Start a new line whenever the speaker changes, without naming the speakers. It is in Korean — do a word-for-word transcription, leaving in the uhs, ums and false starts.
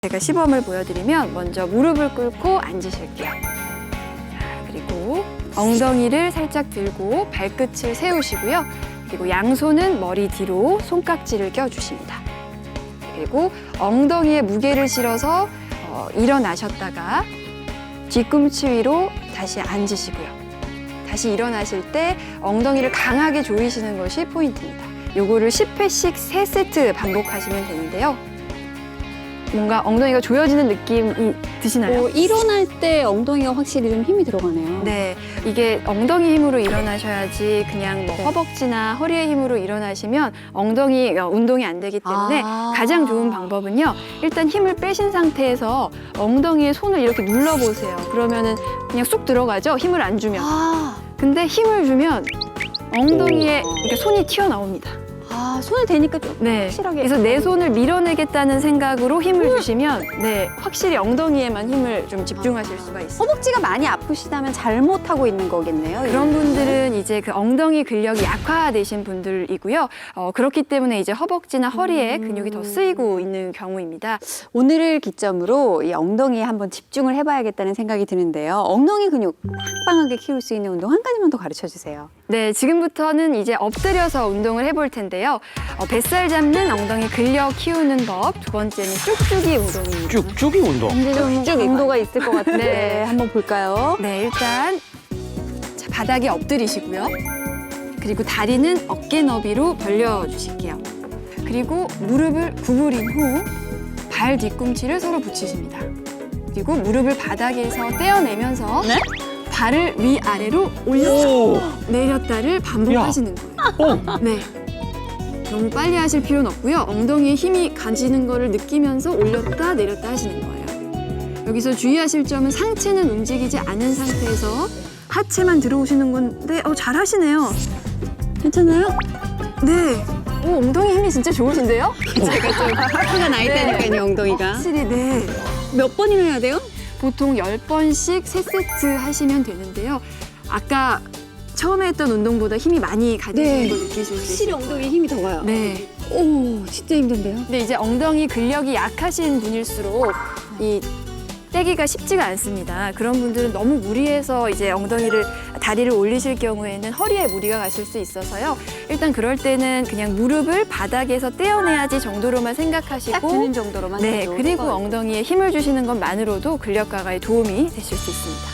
제가 시범을 보여드리면 먼저 무릎을 꿇고 앉으실게요. 자, 그리고 엉덩이를 살짝 들고 발끝을 세우시고요. 그리고 양손은 머리 뒤로 손깍지를 껴주십니다. 그리고 엉덩이에 무게를 실어서 어, 일어나셨다가 뒤꿈치 위로 다시 앉으시고요. 다시 일어나실 때 엉덩이를 강하게 조이시는 것이 포인트입니다. 요거를 십 회씩 세 세트 반복하시면 되는데요. 뭔가 엉덩이가 조여지는 느낌이 드시나요?
어, 일어날 때 엉덩이가 확실히 좀 힘이 들어가네요.
네, 이게 엉덩이 힘으로 일어나셔야지 그냥 뭐
네.
허벅지나 허리의 힘으로 일어나시면 엉덩이 운동이 안 되기 때문에
아.
가장 좋은 방법은요. 일단 힘을 빼신 상태에서 엉덩이에 손을 이렇게 눌러보세요. 그러면은 그냥 쑥 들어가죠? 힘을 안 주면.
아,
근데 힘을 주면 엉덩이에 이렇게 손이 튀어나옵니다.
아 손을 대니까 좀
네.
확실하게.
그래서 내 손을 밀어내겠다는 생각으로 힘을 주시면 네, 확실히 엉덩이에만 힘을 좀 집중하실 수가 있어요.
허벅지가 많이 아프시다면 잘못하고 있는 거겠네요.
그런 분들은 이제 그 엉덩이 근력이 약화되신 분들이고요. 어, 그렇기 때문에 이제 허벅지나 허리에 근육이 더 쓰이고 있는 경우입니다.
오늘을 기점으로 이 엉덩이에 한번 집중을 해봐야겠다는 생각이 드는데요. 엉덩이 근육 빵빵하게 키울 수 있는 운동 한 가지만 더 가르쳐 주세요.
네, 지금부터는 이제 엎드려서 운동을 해볼 텐데요. 어, 뱃살 잡는 엉덩이 근력 키우는 법. 두 번째는 쭉쭉이 운동입니다.
쭉쭉이 운동.
이제 좀 강도가 있을 것 같은데
네.
한번 볼까요?
네, 일단 자, 바닥에 엎드리시고요. 그리고 다리는 어깨 너비로 벌려주실게요. 그리고 무릎을 구부린 후 발 뒤꿈치를 서로 붙이십니다. 그리고 무릎을 바닥에서 떼어내면서
네?
발을 위아래로 올렸다
오!
내렸다를 반복하시는 거예요.
어!
네. 너무 빨리 하실 필요는 없고요. 엉덩이에 힘이 가지는 거를 느끼면서 올렸다 내렸다 하시는 거예요. 여기서 주의하실 점은 상체는 움직이지 않은 상태에서 하체만 들어오시는 건데 어, 잘 하시네요.
괜찮아요?
네. 오, 엉덩이 힘이 진짜 좋으신데요?
제가 좀 화가 나 있다니까요, 엉덩이가.
확실히 네.
몇 번이나 해야 돼요?
보통 열 번씩 세 세트 하시면 되는데요. 아까 처음에 했던 운동보다 힘이 많이 가지시는
네.
걸 느끼실 수 있어요.
확실히 엉덩이에 힘이 더 가요.
네.
오, 진짜 힘든데요?
근데 이제 엉덩이 근력이 약하신 분일수록 이 떼기가 쉽지가 않습니다. 그런 분들은 너무 무리해서 이제 엉덩이를 다리를 올리실 경우에는 허리에 무리가 가실 수 있어서요. 일단 그럴 때는 그냥 무릎을 바닥에서 떼어내야지 정도로만
딱
생각하시고
드는 정도로만
네,
해도
그리고
될것
엉덩이에 힘을 주시는 것만으로도 근력 강화에 도움이 되실 수 있습니다.